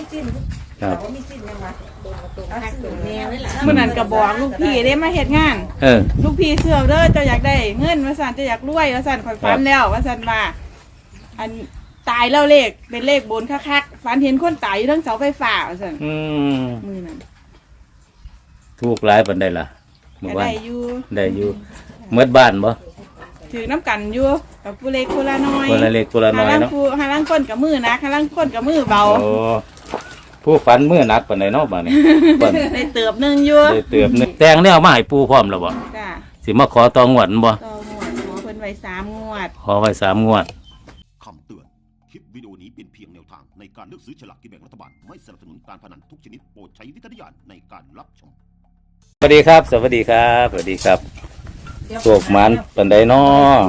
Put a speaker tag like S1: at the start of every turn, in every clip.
S1: สิ้น
S2: ครับ
S1: ว่ามีสิ้นยังวะเอาสื่อแนวนี่แหละ
S3: เมื่อนั้นก็บอกลูกพี่ได้มาเฮ็ดงาน ลูกพี่เสือเด้อเจ้าอยากได้เงินว่าซั่นเจ้าอยากรวยว่าซั่นข่อยฝันแล้วว่าซั่นว่าอันตายแล้วเลขเป็นเลขบนคักๆฝันเห็นคนตายอยู่ทั้งเสาไฟฟ้าว่าซั่นมื้อนั้น
S2: ถูกหลายปานใดล่ะเมื่อ
S3: ก็
S2: วาน
S3: ได้อยู่
S2: ได้อยู่เมื่อบ้านบ่
S3: ถือน้ำกันอยู่กับผู้เล็กผู้ละน้อย
S2: คนละเล็กคนละน้อยเนาะ
S3: หาลังคนกับมือนะหาลังคนกับมือเบา
S2: โอ้ผู้ฝันมื้อหนักปานใดเนาะบัดนี้เพิ่น
S3: ได้เติบหนึงอยู่
S2: ได้เติบนึกแต่งแนวมาให้ปู่พร้อมแล้วบ่
S3: จ้า
S2: สิมาขอตองวดบ่
S3: ต่องวดขอเพิ่นไว้3 งวด
S2: ขอไว้3 งวด
S4: คำเตือน คลิปวิดีโอนี้เป็นเพียงแนวทางในการเลือกซื้อฉลากกินแบ่งรัฐบาล ไม่สนับสนุนการพนันทุกชนิดโปรดใช้วิจารณญาณในการรับชม
S2: สวัสดีครับ สวัสดีครับสวัสดีครับโศกมันปานใดเนาะ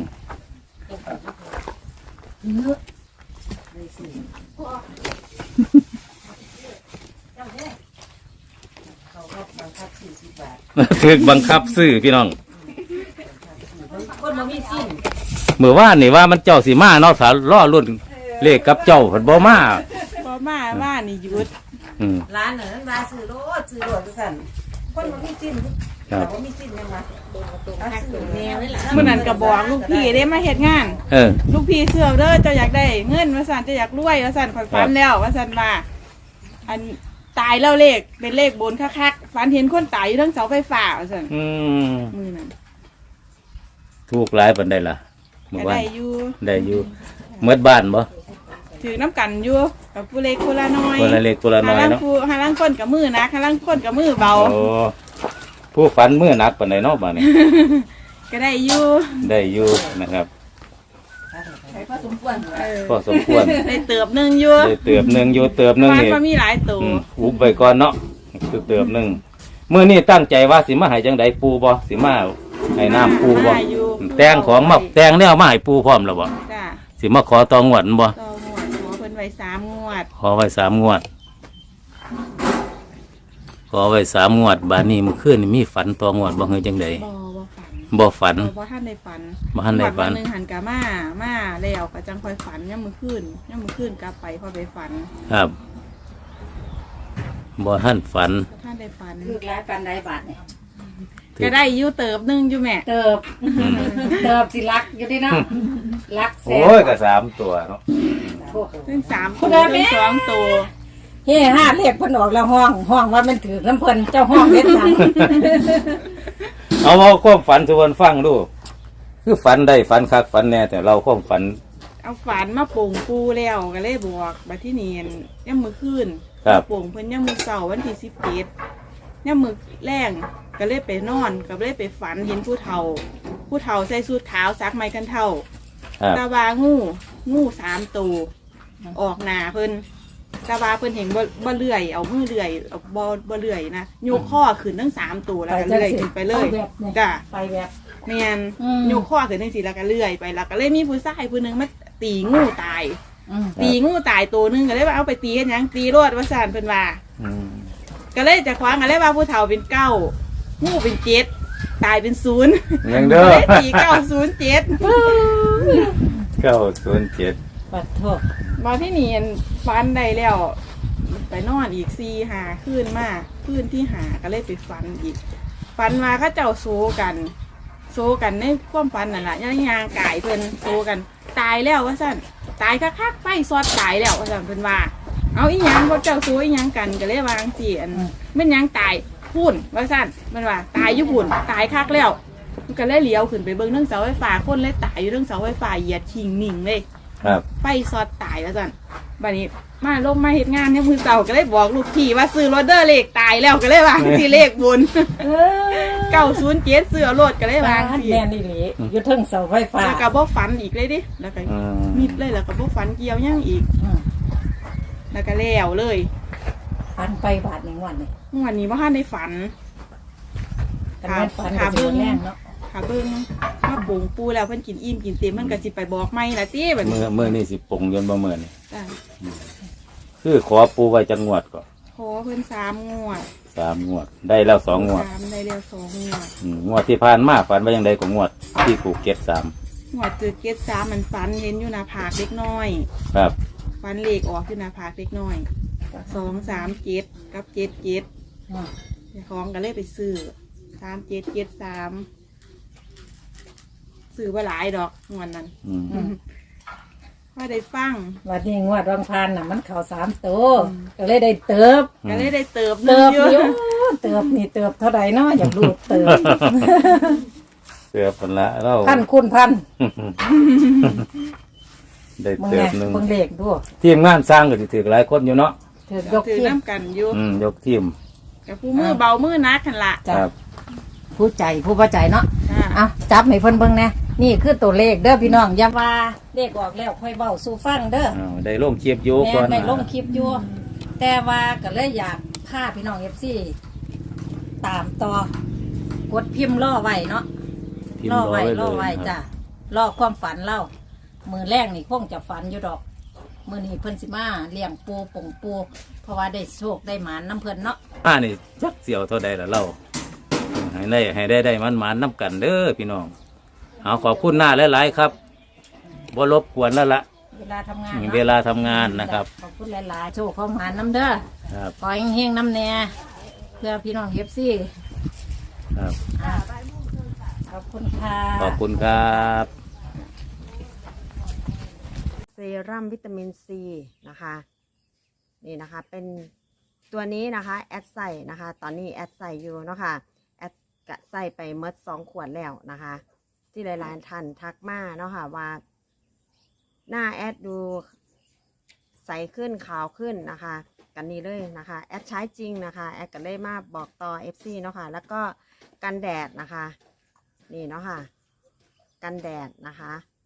S2: ถึกบังคับซื้อพี่น้อง
S1: คนมามีสิ้น
S2: เมื่อวานนี่ว่ามันเจ้าสีมาเนาะสาล่อรุ่นเลขกับเจ้าเพิ่นบ่มา
S3: พอมาว่านี่หยุด
S1: ร้านนั้นร้านซื้อโลดสั่นคนมามีสิ้นว่ามีสิ้นยังวะเอาสื่อแนวนี่แหละ
S3: เมื่อนั้นก็บอกลูกพี่ได้มาเฮ็ดงาน ลูกพี่เสือเด้อเจ้าอยากได้เงินว่าซั่นเจ้าอยากรวยว่าซั่นข่อยฝันแล้วว่าซั่นว่าอันตายแล้วเลขเป็นเลขบนคักๆฝันเห็นคนตายอยู่ทั้งเสาไฟฟ้าว่าซั่นมื้อนั้น
S2: ถูกหลายปานใดล่ะเมื่อ
S3: ก็
S2: วาน
S3: ได้อยู่
S2: ได้อยู่เมื่อบ้านบ่
S3: ถือน้ำกันอยู่กับผู้เล็กผู้ละน้อย
S2: คนละเล็กคนละน้อยเนาะ
S3: หาลังคนกับมือนะหาลังคนกับมือเบา
S2: โอ้ผู้ฝันมื้อหนักปานใดเนาะบัดนี้
S3: ก็ได้อยู่
S2: ได้อยู่นะครับ
S1: ใช้พอสมควร
S2: พอสมควร
S3: ได้เติบหนึงอยู่
S2: ได้เติบหนึงอยู่เติบหนึง
S3: บ้าน
S2: นี่
S3: ก็มีหลายตัว
S2: อุบไว้ก่อนเนาะคือเติบหนึงมื้อนี้ตั้งใจว่าสิมาให้จังไดปู่บ่สิมาให้น้ำปู่บ่
S3: ได้อยู่
S2: แต่งของมาแต่งแนวมาให้ปู่พร้อมแล้วบ่
S3: จ้า
S2: สิมาขอตองวดบ่
S3: ต่องวดขอเพิ่นไว้3 งวด
S2: ขอไว้3 งวด ขอไว้3 งวดบาดนี้มื้อคืนนี่มีฝันตองวดบ่เฮยจังได๋
S3: บ่ฝัน
S2: บ่ฝัน
S3: บ่ทันได้ฝัน
S2: บ่ทันได้ฝัน
S3: งวดวันหนึงหันกะมาแล้วก็จังค่อยฝันยามมื้อคืนกลับไปพอไปฝัน
S2: ครับบ่ทันฝัน
S3: บ่ทันได้ฝัน
S1: คือร้านปันไดบาทเนี่ย
S3: ก็ได้อยู่เติบหนึงอยู่แม่
S1: เติบสิรักอยู่ดีเนาะรักแซ่
S2: โอ้ยก็3 ตัวเนาะ
S3: ถึง3ตัวถึง2ตัว
S1: เฮ้ห้าเลขเพิ่นออกแล้วห้องว่ามันถือน้ำเพิ่นเจ้าห้องเฮ็ดหยัง
S2: เอาความฝันสู่เพิ่นฟังดู คือฝันได้ฝันคักฝันแน่แต่เราความฝัน
S3: เอาฝันมาโป่งปูแล้วก็เลยบอกบัดที่เนียนย่ำมือขึ้น
S2: ครับ
S3: โป่งเพิ่นย่ำมือเสาร์วันที่17ย่ำมือแรงก็เลยไปนอนก็เลยไปฝันเห็นผู้เฒ่าใส่สูทขาวซักไม้กันเท่า
S2: ครับ
S3: ตาบางู3 ตัวออกหน้าเพิ่นตาบาเพิ่นเห็นบ่เลื่อยเอามือเลื่อยเอาบ่เลื่อยนะโยกข้อขึ้นทั้ง3 ตัวแล้วก็เลื่อยขึ้นไปเลยจ้ะ
S1: ไปแบบ
S3: แม่นโยกข้อขึ้นจังซี่แล้วก็เลื่อยไปแล้วก็เลยมีผู้ชายผู้หนึงมาตีงูตาย ตีงูตายตัวหนึงก็เลยว่าเอาไปตีกันหยังตีรอดว่าซั่นเพิ่นว่า
S2: อืม
S3: ก็เลยจะคว้างกันเลยว่าผู้เฒ่าเป็น9งูเป็น7ตายเป็น0
S2: ยังเด้อ
S3: เลยตี907
S2: 907
S1: ปัดโทษ
S3: มาที่นี่ฟันได้แล้วไปนอนอีก4-5คืนมาคืนที่5ก็เลยไปฟันอีกฟันมาเขาเจ้าโซกันในความฝันนั่นแหละย่างกายเพิ่นโซกันตายแล้วว่าซั่นตายคักๆไฟซอดตายแล้วว่าซั่นเพิ่นว่าเอาอีหยังพวกเจ้าโซอีหยังกันก็เลยวางสิอันแม่นหยังตายพุ่นว่าซั่นมันว่าตายอยู่พุ่นตายคักแล้วมันก็เลยเลี้ยวขึ้นไปเบิ่งเรื่องเสาไฟฟ้าคนเลยตายอยู่เรื่องเสาไฟฟ้าเหยียดชิงนิ่งเลย
S2: ครับ
S3: ไฟซอดตายแล้วซั่นบัดนี้มาลงมาเฮ็ดงานเนี่ยมือเสาก็เลยบอกลูกพี่ว่าซื้อรถเดอร์เลขตายแล้วก็เลยวางสิเลขบน 907เสื้อรถก็เลยวางสิ
S1: แม่นอีหลีอยู่เทิงเสาไฟฟ้า
S3: แล้วก็บ่ฝันอีกเลยดิแล้วก็มิดเลยแล้วก็บ่ฝันเกี่ยวหยังอีกแล้วก็แล้วเลย
S1: ปันไปบาทหนึ่งวันนี่
S3: วันนี้บ่ทันได้ฝัน
S1: กันแม่นปันก็สิแรงเนาะ
S3: ค่ะเบิ่งมาปรุงปูแล้วเพิ่นกินอิ่มกินเต็มมันก็สิไปบอกใหม่ล่ะติบัดนี้
S2: มื้อนี่สิปลงยนต์บ่มื้อนี่
S3: จ้ะ
S2: คือขอปูไว้จังงวดก่อน
S3: ขอเพิ่น3 งวด
S2: 3 งวด ได้แล้ว2 งวด
S3: 3ได้แล้ว2 งวด
S2: งวดที่ผ่านมาฝันว่าจังไดก็งวดที่ภูเก็ต3
S3: งวดจืดเกต3มันฝันเห็นอยู่หน้าผากเล็กน้อย
S2: ครับ
S3: ฝันเลขออกอยู่หน้าผากเล็กน้อย 237กับ77
S1: อืม
S3: เจ้าของก็เลยไปซื้อ3773ซื้อว่าหลายดอกงวดนั้น
S2: อืม
S3: ว่าได้ฟัง
S1: วันนี้งวดวังพันน่ะมันเข้า3ตัวก็เลยได้เติบ
S3: ก็เลยได้เติบ
S1: เติบ
S3: เย
S1: อยู่
S3: อะ
S1: เติบนี่เติบเท่าใดเนาะอยากรู้เติบ
S2: เติบผลละเรา
S1: พันคูณพัน
S2: ได้
S1: มึง
S2: เติ
S1: ไง
S2: บหนึ่ง
S1: มึงเลขดู
S2: ทีมงานสร้างก็สิถือหลายคนอยู่เนาะ
S1: ถือยก
S3: ถือ
S1: ที่
S3: น้ำกันอยู่
S2: ยกทีม
S3: กับผู้มือเบามือนักกันละ
S1: จ้ะ
S2: ครับ
S1: ผู้ใจผู้ประใจเนาะ
S3: อ่า
S1: เอาจับให้เพิ่นเบิ่งแน่นี่คือตัวเลขเด้อพี่น้องอย่าว่าเลขออกแล้วค่อยเว้าสู่ฟังเด้อ
S2: อ้าวได้ลงเชียบโย
S1: แม่
S2: ก่อน
S1: ได้ลงคลิปอยู่แต่ว่าก็เลยอยากพาพี่น้อง FC ตามต่อกดพิมพ์รอไว้เนาะ
S2: พิมพ์
S1: รอไว้
S2: เลย
S1: รอไว้
S2: ครับ
S1: จ้ะรอความฝันเล่ามือแรกนี่คงจะฝันอยู่ดอกมือนี้เพิ่นสิมาเลี้ยงปูป่งปูเพราะว่าได้โชคได้หมานน้ำเพิ่นเนาะ
S2: นี่จักเสียวเท่าใดล่ะเราให้ได้มันน้ำกันเด้อพี่น้องเอาขอบคุณหน้าหลายๆครับบ่รบกวนแล้วล่ะ
S1: เวลาทำงาน
S2: มี
S1: นะ
S2: เวลาทำงานนะครับ
S1: ขอบคุณหลายๆโชคของหมานน้ำเด้อ
S2: ครับ
S1: ขอเฮงๆน้ำแน่เพื่อพี่น้องเอฟซี
S2: ครับ
S1: ขอบคุณค่ะ
S2: ขอบคุณครับ
S5: เซรั่มวิตามินซีนะคะนี่นะคะเป็นตัวนี้นะคะแอดใส่นะคะตอนนี้แอดใส่อยู่เนาะค่ะแอดกะใส่ไปเมด2 ขวดแล้วนะคะ ที่หลายๆท่านทักมาเนาะค่ะว่าหน้าแอดดูใสขึ้นขาวขึ้นนะคะกันนี้เลยนะคะแอดใช้จริงนะคะแอดก็เลยมาบอกต่อ FC เนาะค่ะแล้วก็กันแดดนะคะนี่เนาะค่ะกันแดดนะคะ